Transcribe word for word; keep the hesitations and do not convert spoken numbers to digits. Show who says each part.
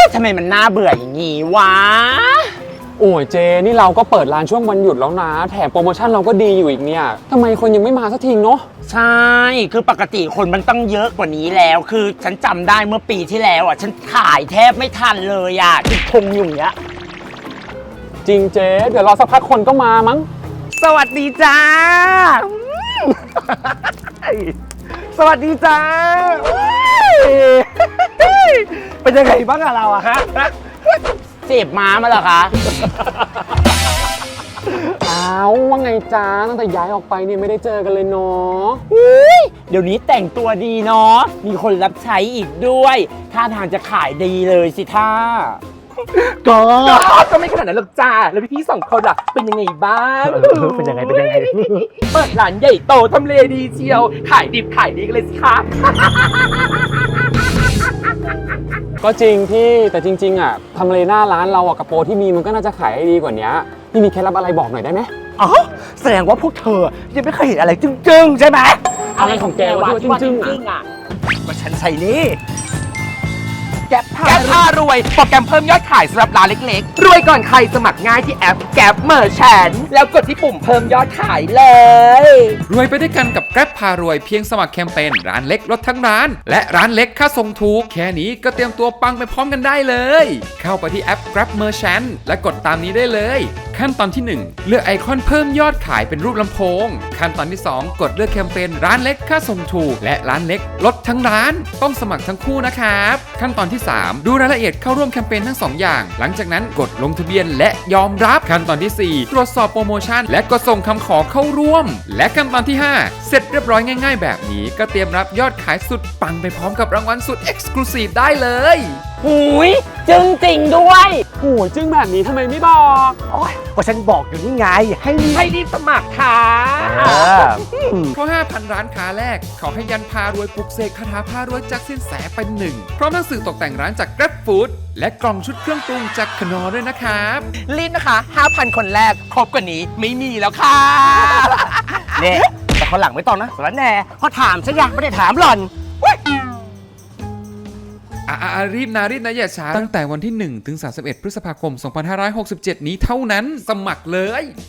Speaker 1: ทำไมมันน่าเบื่ออย่างงี้วะ
Speaker 2: โอ้ยเจนี่เราก็เปิดร้านช่วงวันหยุดแล้วนะแถมโปรโมชั่นเราก็ดีอยู่อีกเนี่ยทำไมคนยังไม่มาสักทีเนาะ
Speaker 1: ใช่คือปกติคนมันต้องเยอะกว่านี้แล้วคือฉันจำได้เมื่อปีที่แล้วอ่ะฉันขายแทบไม่ทันเลยอ่ะที่คงอยู่เนี้ย
Speaker 2: จริงเจเดี๋ยวรอสักพักคนก็มามั้ง
Speaker 1: สวัสดีจ้าสวัสดีจ้าเป็นยังไงบ้างอะเราอะฮะเสพม้ามาเหรอคะ
Speaker 2: อ้าวว่าไงจ้าตั้งแต่ย้ายออกไปเนี่ยไม่ได้เจอกันเลยเนาะ
Speaker 1: เดี๋ยวนี้แต่งตัวดีเนาะมีคนรับใช้อีกด้วยท่าทางจะขายดีเลยสิท่า
Speaker 3: ก็ก็ไม่ขนาดนั้นหรอกจ้าแล้วพี่ๆสองคนล่ะเป็นยังไงบ้าง
Speaker 1: เป็นยังไงเป็นยังไง
Speaker 3: เปิดร้านใหญ่โตทำเลดีเชียวขายดิบขายดีกันเลยสิคะ
Speaker 2: ก็จริงพี่แต่จริงๆอ่ะทำเลหน้าร้านเราอ่ะกระโปรงที่มีมันก็น่าจะขายได้ดีกว่านี้พี่มีเคล็ดลับอะไรบอกหน่อยได้ไหม
Speaker 1: อ๋อแสดงว่าพวกเธอยังไม่เคยเห็นอะไรจึ้งๆใช่ไหม
Speaker 2: อะไรของแกวะที่ว่าจึ้งๆอ่ะ
Speaker 1: ก็ฉันใส่นี่
Speaker 3: แก๊ปผ้ารวยโปรแกรมเพิ่มยอดขายสำหรับร้านเล็กๆรวยก่อนใครสมัครง่ายที่แอปแก๊ปเมอร์แชนแล้วกดที่ปุ่มเพิ่มยอดขายเลย
Speaker 4: รวยไปด้วยกันกับแกร็บพารวยเพียงสมัครแคมเปญร้านเล็กลดทั้งร้านและร้านเล็กค่าส่งถูกแค่นี้ก็เตรียมตัวปังไปพร้อมกันได้เลยเข้าไปที่แอป Grab Merchant และกดตามนี้ได้เลยขั้นตอนที่หนึ่งเลือกไอคอนเพิ่มยอดขายเป็นรูปลำโพงขั้นตอนที่สองกดเลือกแคมเปญร้านเล็กค่าส่งถูกและร้านเล็กลดทั้งร้านต้องสมัครทั้งคู่นะครับขั้นตอนที่สามดูรายละเอียดเข้าร่วมแคมเปญทั้งสองอย่างหลังจากนั้นกดลงทะเบียนและยอมรับขั้นตอนที่สี่ตรวจสอบโปรโมชั่นและกดส่งคำขอเข้าร่วมและขั้นตอนที่ห้าเสร็จเรียบร้อยง่ายๆแบบนี้ก็เตรียมรับยอดขายสุดปังไปพร้อมกับรางวัลสุด Exclusive ได้เลย
Speaker 1: หูยจึงจริงด้วย
Speaker 2: โอ้ยจึงแบบนี้ทำไมไม่บอก
Speaker 1: โอ้ยก็ฉันบอกอยู่นี่ไงให้
Speaker 3: ให้รีบสมัครค่ะ
Speaker 4: เพราะ ห้าพัน ร้านค้าแรกขอให้ยันพารวยปลุกเสกคาถาพารวยจากสินแสเป็นหนึ่งพร้อมหนังสือตกแต่งร้านจาก Grab Food และกล่องชุดเครื่องปรุงจากขนอด้วยนะครับ
Speaker 3: รีบนะคะ ห้าพัน คนแรกครบกว่านี้ไม่มีแล้วค่ะ
Speaker 1: เนี่ยแต่คนหลังไม่ต้องนะสารแน่พอถามฉันยังไม่ได้ถามหล่อน
Speaker 4: อ่ารีบนะรีบนะอย่าช้าตั้งแต่วันที่หนึ่งถึงสามสิบเอ็ดพฤษภาคมสองพันห้าร้อยหกสิบเจ็ดนี้เท่านั้นสมัครเลย